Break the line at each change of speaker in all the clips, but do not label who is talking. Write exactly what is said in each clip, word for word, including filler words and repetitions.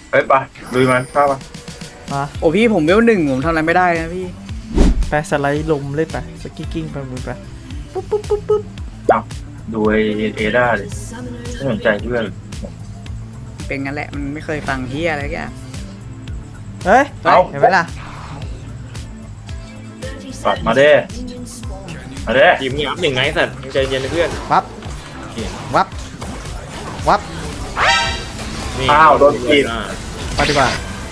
เฮ้ยไปลุยมันเข้ามา
มา
โอ้พี่ผมเวลหนึ่งผมทำอะไรไม่ได้นะพี่
ไปสไลด์ลมเล่นไปสกิกกิ้งไปมือไปปุ๊บปุ๊บปุ๊บปุ๊บ
จับดูไอเอด้าเลยไม่สนใจเพื่อน
เป็นงั้นแหละมันไม่เคยฟังเฮียอะไรแก
เฮ้ยเห็นไหมล่ะ
ปัดมาเด้มาเด้
ทีมยับหนึ่งไงสัตว์ใจเย็นนะเพื่อน
วับวับวับ
นี่
อ้าวโดนกิน
ไปดีกว่า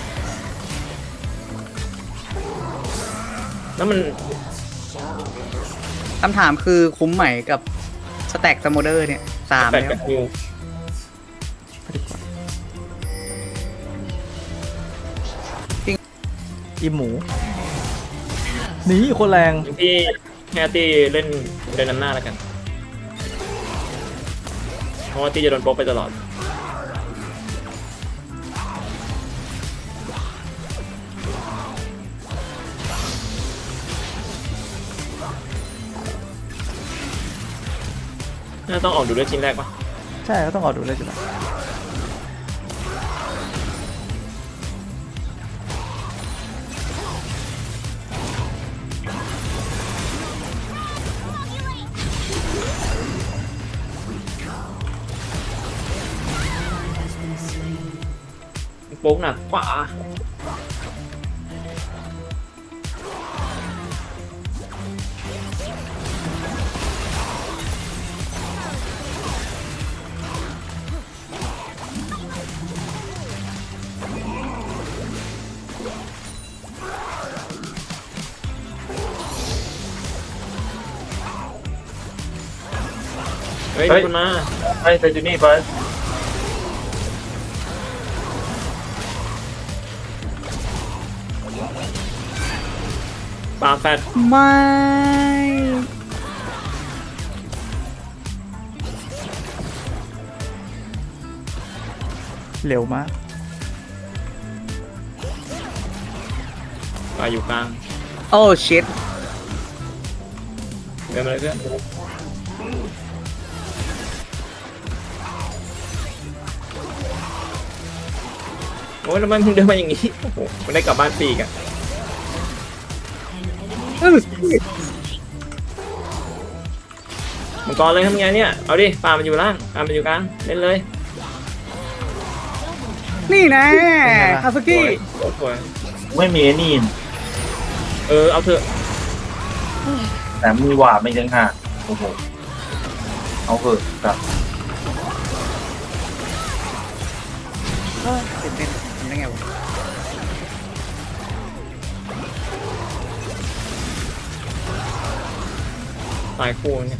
แล้วมัน
คำถามคือคุ้มไหมกับสแต็กสโมเดอร์เนี่ยสาม
แปด
แล้ว
กับนิว
ไปดีกว่าอีหมูหนีคนแรง
ที่แฮตตี้เล่นเล่นนำหน้าแล้วกันเพราะว่าตี้จะโดนโป๊กไปตลอดน่าต้องออกดูด้วยชิ้นแรกปะ
ใช่ก็ต้องออกดูเลยจุดละ
โป๊กหนักกว่าเฮ้ยคุณมา
ให้เซจูนี่ไป
ปาแฟด
ไม่
เร็วมาก
ปาอยู่กลาง
โอ้ชิต
เดินมาเลยเพื่อนโอ้ยแล้วมันเดินมาอย่างนี้โอ้โหมันได้กลับบ้านฟรีกัน
อื้อ
มังกรเลยทำไงเนี่ย เอาดิปลามันอยู่ล่างปลามันอยู่กลาง เล่นเลย
นี่นะคาซุกิ
โอ้โห
ไม่มีไอ้นี่
เออ เอาเถอะ
แต่มีหวาดไม่ยังห่างโอ้โหเอาเถอะครับ
ตื่นเต้นทำได้ไงวะ
ตายคู่เนี่ย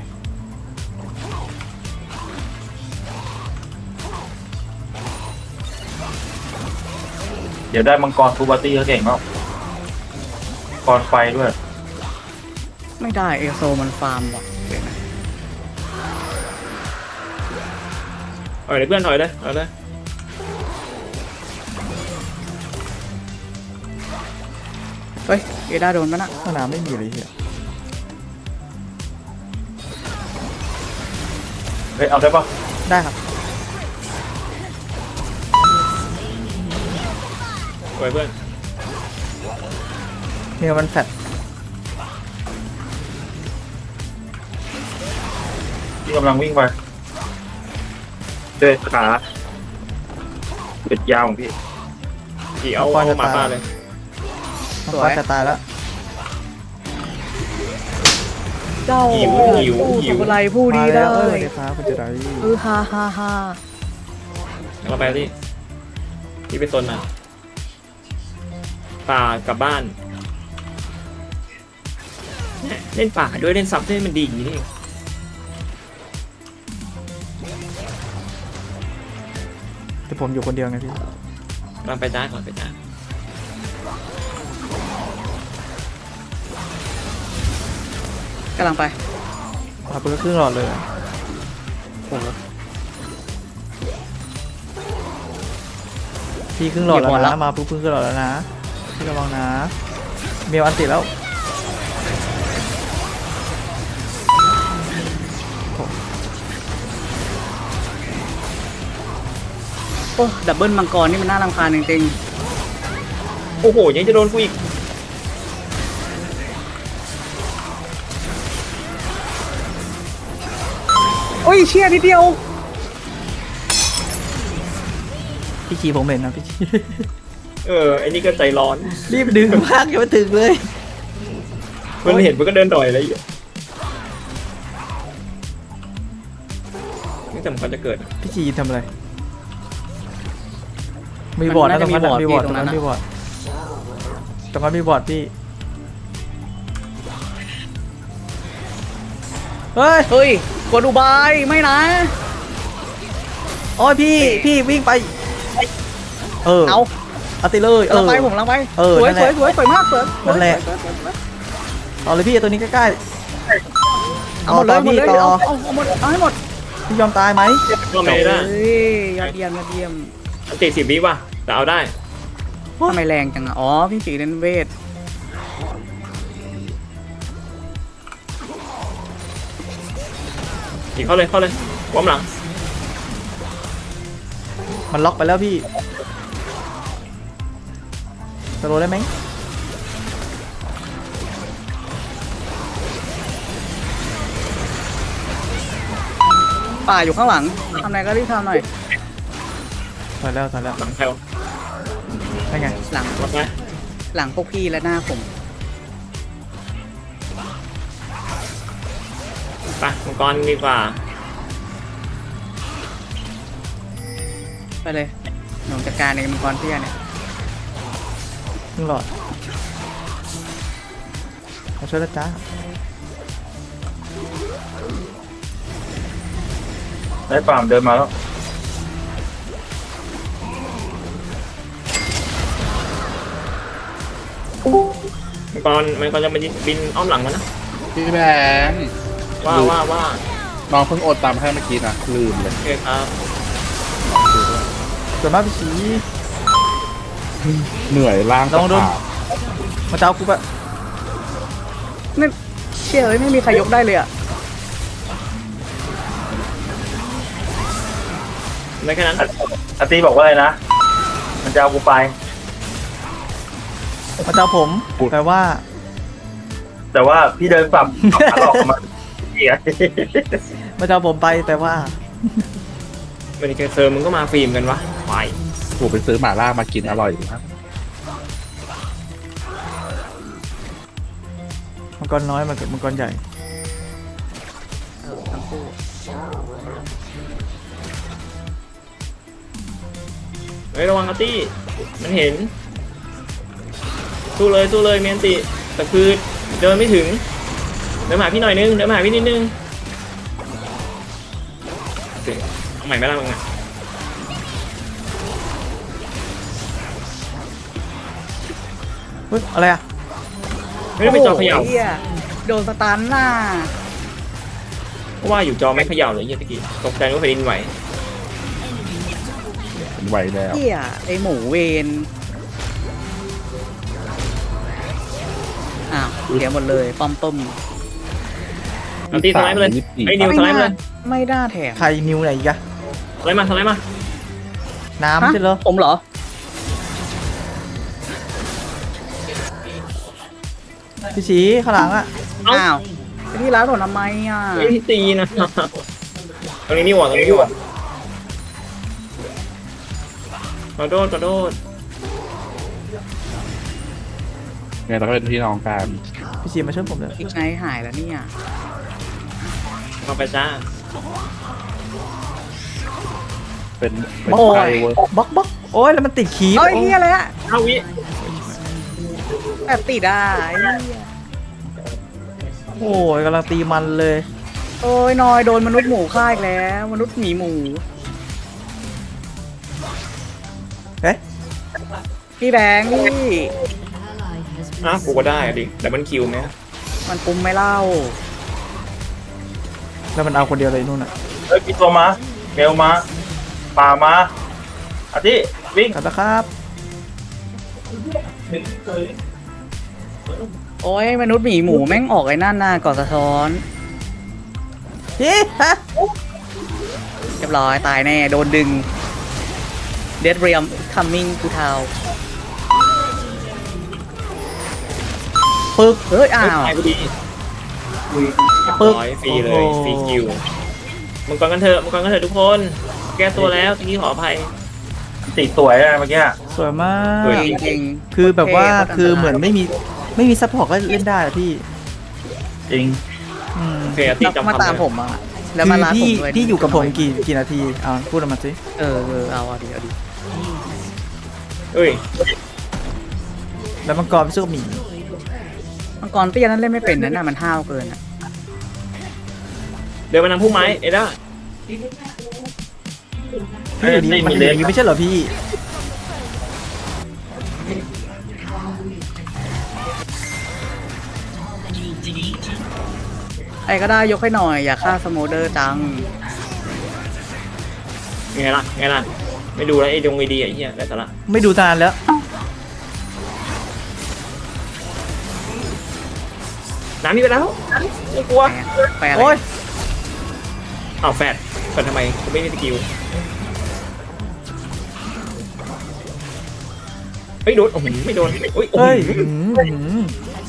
เดี๋ยวได้มังกรทูบาตี้เขาเก่งมากมังกรไฟด้วย
ไม่ได้เอโซมันฟาร์มว่ะเดี๋ยวนะ
ถอยเลยเพื่อนถอยเลยเอาเลย
เฮ้ยเอด้าโดนปะน่ะ
สนามไม่มีเลยเฮีย
เฮ้ยเอาได้ปะ
ได้ครับ
ถอยเพื่อน
เมียมันแฟด
ที่กำลังวิ่งไปเดินขาเป็ดยาวของพี่
ขี่เอาเอาหมาป่าเลย
มันก็จะตายแล้ว
เจ้า
หิวหิว
ผู้
หิ
สุ
ว
ภไลผู้ดี
มา
ได้
แล้วเออเดี๋ยวฟ้าคุณจะได้
เออฮ่าฮ่าฮ่า
เราไปที่ที่ไปโซนมาป่ากลับบ้านเนี่ยเล่นป่าด้วยเล่นซับด้วยมันดีอย่างนี้นี่
แต่ผมอยู่คนเดียวไงพี่
เราไปจ้าก่อนไปจ้า
กำลังไป
เอาไปก็ครึ่งหลอดเลยพี่ครึ่งหลอดแล้วนะมาปุ๊บครึ่งหลอดแล้วนะพี่ระวังนะเมียวอันติแล้ว
อ้ดับเบิลมังกรนี่มันน่ารำคาญจริง
โอ้โหยังจะโดนกูอีก
ๆโอ้ยเชี่ยนิดเดียว
พี่ชีผมเห็นนะพี่ชี
เออไอ้นี่ก็ใจร้อน
รีบดึงมากอย่ามาถึงเลย
มันเห็นมันก็เดินต่อยอะไรอยู่นี่สำคัญจะเกิด
พี่ชีทำอะไร มีบอร์ดนะตรงนั้นนะมีบอร์ดตรงนั้นมีบอร์ดตรงนั้นมีบอร์ดพี่เฮ้ย
เฮ้ยกดอุบายไม่นะ
โอ้ยพี่พี่วิ่งไปเออ
เอา
เอาติเลยเอ
ลัง
อ
ไปผมลังไป
เออ
สวย
นั่น
ส
แห
วย
ละ
สวยสวยมากสวย
นั่นแหละ
สวยสวยสวย
เอาเลยพี่ตัวนี้ใกล้
เอาหมดเลย
ต่อพี่
หมดเลย
ต่อ
เอาเอาเอาหมดเอาให้หมด
ๆพี่ยอมตายไหม
ก็ไม่ได้
เฮ้ยยอดเยี่ยมยอดเยี่ยม
อันติสิบวิว่ะแต่เอาได้
ทำไมแรงจังอ่ะอ๋อพี่สีเล่นเวท
อีกเข้าเลยเข้าเลยป้อมหลัง
มันล็อกไปแล้วพี่สโลว์ได้ไหม
ป่าอยู่ข้างหลังทำอะไรก็รีบทำหน่อย
ถอยแล้วถอยแล้ว
หลังแถว
ได้ไง
หลัง
รับไหม
หลังพวกพี่และหน้าผม
ไปมังกรดีกว่า
ไปเลยหนูจัดการในมังกรเตี้ยเนี่ย
ครึ่งหลอดมาช่วยแล้วจ้า
ได้ฟาร์มเดินมาแล้ว
มังกรมังกรจะมาบินอ้อมหลังมันนะ
พี่แบงค์
ว่าว่าว่า
น้องเพิ่งโอนตามให้เมื่อกี้นะลืมเลย
โอเคครับ
ส่วนมากพี่ชี
เหนื่อยล่าง
ลองดู
กระถาง
มาเจ้ากูปะ
นี่เชี่ยเอ้ยไม่มีใครยกได้เลยอ่ะ
ได้แค่นั้น
อาร์ตี้บอกว่าอะไรนะ มันจะเอากูไป
มาเจ้าผมแปลว่า
แต่ว่าพี่เดินปรับขาหลอกออกมาเหี้ย
มาเจ้าผมไปแปลว่า
เมดิเคเซอร์มึงก็มาฟิล์มกันวะควาย
ถูกไปซื้อหม่าล่ามากินอร่อยดีครับ
มังกรน้อยมันมังกรใหญ่
เออทั้งคู่
เฮ้ยระวังอาร์ตี้มันเห็นสู้เลยสู้เลยเมียนติแต่คือเดินไม่ถึงเดินมาหาพี่หน่อยนึงเดินมาหาพี่นิดนึงโอเคเอาใหม่ไม่ได้มึงอ่ะ
เฮ้ยอะไรอ่ะ
ไม่ได้เป็นจอเขย่า
โโหเหี้ยโดนสตันน่ะ
เพราะว่าอยู่จอไม่เขย่าเลยเฮียตะกี้ตกใจว่าแผ่นดินไหว
เป็นไหวแล้ว
เหี้ยไอหมูเวนอ้าวเสียหมดเลยป้อมต้ม
อันตีสไลด์มาเลย
ยี่สิบสี่
ไอ้นิวสไลด์มาเลย
ไม่ได้แถม
ใครนิวไหนอีกอะ
สไลด์มาสไลด์มา
น้ำใช่เหรอ
ผมเหรอ
พี่ชีข้างหลังอะ
อ้าวไปที่ร้านผมทำไมอ่ะ
ไม่ที่ตีนะตรงนี้นี่หว่าตรงนี้นี่หว่าขอโทษขอโทษ
เนี่ยเราก็เป็นพี่น้องกัน
พี่ชีมาช่วยผมเลย
อีกไนท์หายแล้วเนี่ย
เข้าไปจ้า
เป็นเป็น
โอ้
ไท
ย
ยเวิร์ก
บล็อกบล็อกโอ้ยแล้วมันติดขีบ
เอ้ยเฮียอะไรอะ
เอ้าวิ
แบบติดอ่ะไอ้เหี้ย
โอ้ยกำลังตีมันเลย
โอ้ยนอยโดนมนุษย์หมูฆ่าอีกแล้ว มนุษย์หมีหมู
เอ๊ะ
พี่แบงค์พี่
อ้าวกูก็ได้อะดิแต่มันคิวไหม
มันปุ่มไม่เล่า
แล้วมันเอาคนเดียวเลยนู่นอะ
เฮ้ยมีตัวมาเมลมาป่ามาอาร์ตี้วิ่ง
กลับแล้วครับ
โอ้ยมนุษย์หมีหมูแม่งออกไอ้นั่นน่ะก่อสะท้อน
พี่ฮะ
เรียบร้อยตายแน่โดนดึงเดดเรียมคัมมิ่งทูทาว
ปึ๊ก
เฮ้ยอ้าว
ตายพอดี
ปึ๊ก
ร้อยฟรีเลย
โอ้โห
ฟรีคิวมังกรกันเถอะมังกรกันเถอะทุกคนแก้ตัวแล้วทีนี้ขออภัย
ติสวยอะเมื่อกี้
สวยมาก
สวย
จริง
คือแบบว่า
โอเค
คือเหมือนไม่มีไม่มีซัพพอร์ตก็เล่นได้อะพี่
จริง
อืม
โอเคตี
แล้ว
จำ
มา
คำ
ตาม
เลย
ผมอ่ะแล้ว
คื
มา
อ
ลาผม
พี่
ด้วย
พี่อยู่กับผมกี่กี่นาทีอ่าพูดออกมาสิ
เออเออเอาเอาดิเอาดิ
เอ้ย
แล้วมังกรไปสู้กับหมี
มังกรเตี้ยนั้นเล่นไม่เป็นนะน่ะมันห้าวเกินอ่ะ
เดินมานำพุ่มไม้เอ็ด้า
พี่อยู่นี่มันอยู่อย่างนี้ไม่ใช่เหรอพี่
ใครก็ได้ยกให้หน่อยอย่าฆ่าสโมเดอร์จัง
ไงล่ะไงล่ะไม่ดูแล้วไอ้ดงไอดีไอ้เหี้ยได้สาระ
ไม่ดูนานแล้ว
น้ำนี่ไปแล้วไม่กลัว
แปลอะไร
โอ้ย
อ้าวแฟดแฟดทำไมกูไม่มีสกิลเฮ้ยโดนโอ้โหไม่โดนเฮ้ยโอ้โห
เฮ้ยอืมอืม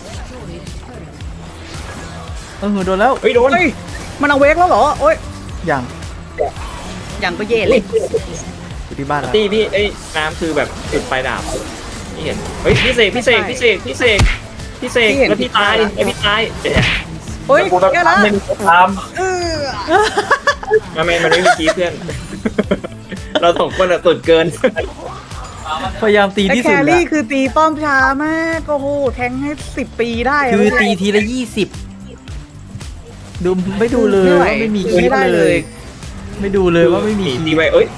เออโดนแล้ว
เฮ้ยโดน
เฮ้ยมันเอาเวกแล้วเหรอโอ้ย
อย่าง
ยังก็เย่เลย
อยู่ที่บ้านแล้ว
ตีพี่ไอ้น้ำคือแบบจุดปลายดาบนี่เห็นเฮ้ยพี่เสกพี่เสกพี่เสกพี่เสกพี่เสกแล้วพี่ตายไอ้พี่ตายเจ๊
เฮ้ย
กูต้อง
แย่ละ
ทำไม่มีท
เออ
มาเมนมันไม่มีคีเพื่อน เราสองคนอะสุดเกิน
พยายามตี
แต่
ที่
แค
สุดแล้
รี่
ว
คือตีป้อมช้ามากโอ้โหแทงให้สิบปีได้ะ
คือตีทีละยี่สิบดูไม่ดูเลย
ไม่ไหว
ว่าไม่มีคลิ
ไม่
ป
ได้
เล
เลย ย
ไม่ดูเลยว่าไม่มี
หนี
ค
ตี
ลิป
ไว้เอ้ย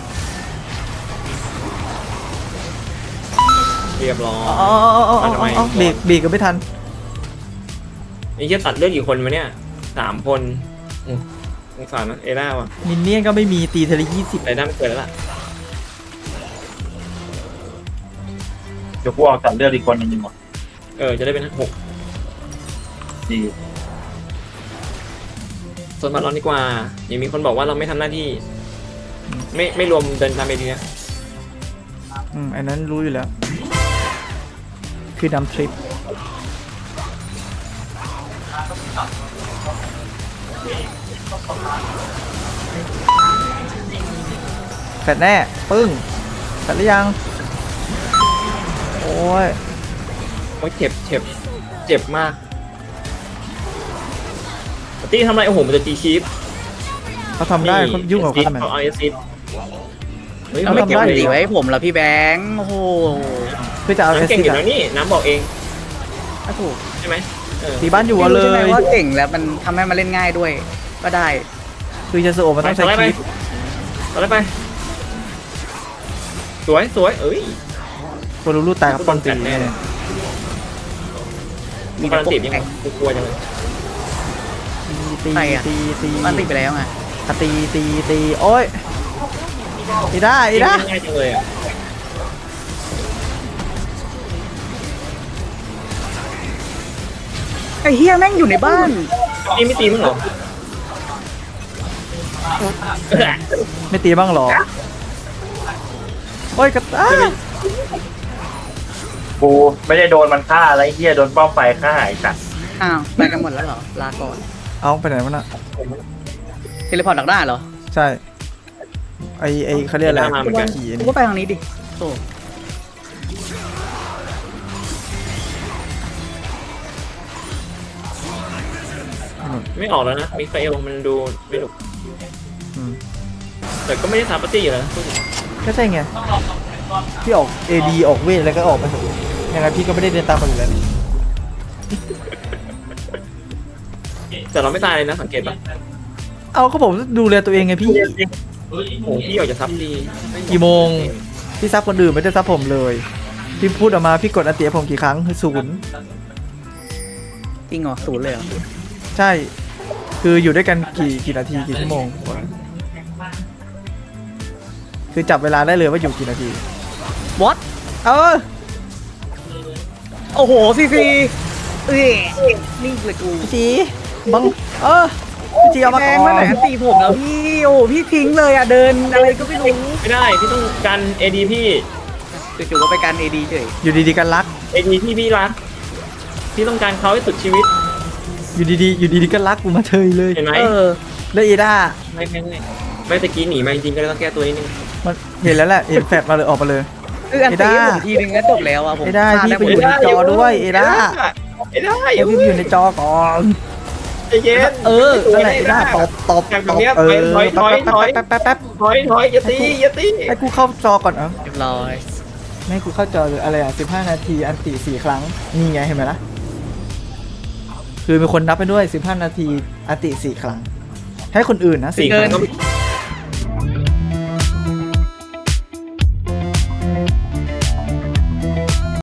เรียบร้อย
อ๋ออ๋ออ๋ออ๋ออ๋อเบรกเบรกก็ไม่ทัน
ไอ้เหี้ยตัดเลือดกี่คนวะเนี่ยสามคนอืมสงสารนะเอล่าว่ะ
มินเนี่ยนก็ไม่มีตีทีละยี่สิบ
ไรด้าไม่เกิดแล้วล่ะ
ำเดี๋ยวกูออกตัดเลือดอีกคนหนึงดีกว่า
เออจะได้เป็นหก
ดี
ส่วนมาร้อนดีกว่ายังมีคนบอกว่าเราไม่ทำหน้าที่ ไม่ไม่รวมเดินตามไปดีนะ
อืมอันนั้นรู้อยู่แล้ว คือนำทริปแฟดแน่ ปึ้งแฟดหรือยัง โอ้ย
โอ้ยเจ็บเจ็บเจ็บมากตีทำอะไรโอ้โหมันจะตีคีฟ
เขาทำได้เขายุ่งกับเขาทำไม
เขาเอาเอซิดเฮ้ย
เอา
ไม่
ไม่
เก็
เก็
บบ เลย
สีไว้ให้ผมแล้วพี่แบงค์โอ้โห
เพื่อจะเอาเอ
น้ำ
ส
เก่ง
ซิ
อยู่
อะ
แล้วนี่น้ำบอกเอง
ถ้าถูก
ใช่ไหมเออ
ตีบ้านอยู่
พี่
เอาเล
รู้ใช่ไหม
ย
ว่าเก่งแล้วมันทำให้มันเล่นง่ายด้วย ก็ได้
คือจะสโอมันต้องใช้
ไป
คลิป
ต่อไปไปสวยสวยเอ้ย
โคลูลูตายกับป้อมตี
แน่
แน่
เลย
มี
มี
แต่
การ
พวก
ตีบยังไงกูกลัวจังเลย
ตี
ใครอะ
ตีตี
มันติดไปแล้วไง
อ่ะตีตีตีโอ้ยอีด้าอีด้า
ง่ายจังเลยอ่ะ
ไอ้เฮียแม่งอยู่ในบ้าน
นี่ไม่ตีมั้งเหรอ
ไม่ตีบ้างเหรอ โอ้ยกระต้า
กูไม่ได้โดนมันฆ่าอะไรเฮียโดนป้อมไฟฆ่าไอ้สัตว์
อ้าวไปกันหมดแล้วเหรอลาก่อน
เอาไปไหนวะน่ะ
เทเลพอร์ตดักได้เหรอ
ใช่ ไอไอเขาเรียกอะไรขี่อัน
กู
นี้
ก็ไปทางนี้ดิโอ้
ไม่ออกแล้วนะมิคาเอลมันดูไม่ดุ
อืม
แต่ก็ไม่ได้สามปาร์ตี้อยู่แล้ว
ก็ใช่ไง พี่ออก เอ ดี ออกเวทแล้วก็ออกไปเถอะยังไงพี่ก็ไม่ได้เดินตามคนอยู่แล้วนี่
แต่เราไม่ตายเลยนะสังเกตปะ
เอาก็ผมดูแลตัวเองไงพี่
โอ้โหพี่ออกจะซับดี
กี่โมง พี่ซับคนอื่นไม่ได้ซับผมเลย พี่พูดออกมาพี่กดอันเตียผมกี่ครั้งคือศูนย์
จริงเหรอศูนย์เลยเหรอ
ใช่ คืออยู่ด้วยกันกี่กี่นาทีกี่ชั่วโมง คือจับเวลาได้เลยว่าอยู่กี่นาที
วอต
เออ
โอ้โหซีซีเอ้ยนิ่งเลยกู
สีบัง เออพี่จีเอามา
แท
ก่
ง
อ
เมื่อไหร่
น
ตีผมแล้วพี่โอ้พี่ทิ้งเลยอ่ะเดินอะไรก็ไม่รู้
ไม่ได้พี่ต้องการเอดีพี่
จู่ๆก็ไปการเอดีเฉย
อยู่ดีๆกันรัก
เอดีที่พี่รักพี่ต้องการเขาให้สุดชีวิต
อยู่ดีๆอยู่ดีๆก็รักกูมาเฉยเลย
เห็นไหม
เออ
แล้วเอด้า
ไม่ไม่ไม่ไม่ตะกี้หนีมาจริงๆก็เลยต้องแก้ตัวนิดนึง
มันเห็นแล้วแหละเห็นแฟดมาเลยออกมาเลย
คืออัน
เอ
ตี
ด้า
ผมทีนึงก็จบแล้วอ่ะผม
เอด้า
พล
พี่
ด้
ไปอยู่ในจอด้วยเอด้า
เอด้า
เอพี่อยู่ในจอก่อน
ใจเย็น
เออนั่นแหละเอด้าตบตบ
แบบ
ตบ
เนี้ย
เออ
ถอยถอยถอย
แป๊บแป๊บแป๊บแป๊บ
ถอยถอยอย่าตีอย่าตี
ให้กูเข้าจอก่อนเอ้า
เรียบร้อย
ไม่ให้กูเข้าจอหรืออะไรอ่ะสิบห้านาทีอันติสี่ครั้งนี่ไงเห็นไหมล่ะคือมีคนนับไปด้วยสิบห้านาทีอันติสี่ครั้งให้คนอื่นนะ
สี่
สี่
ค
ค
รั้
รั้
ง
ง
ก็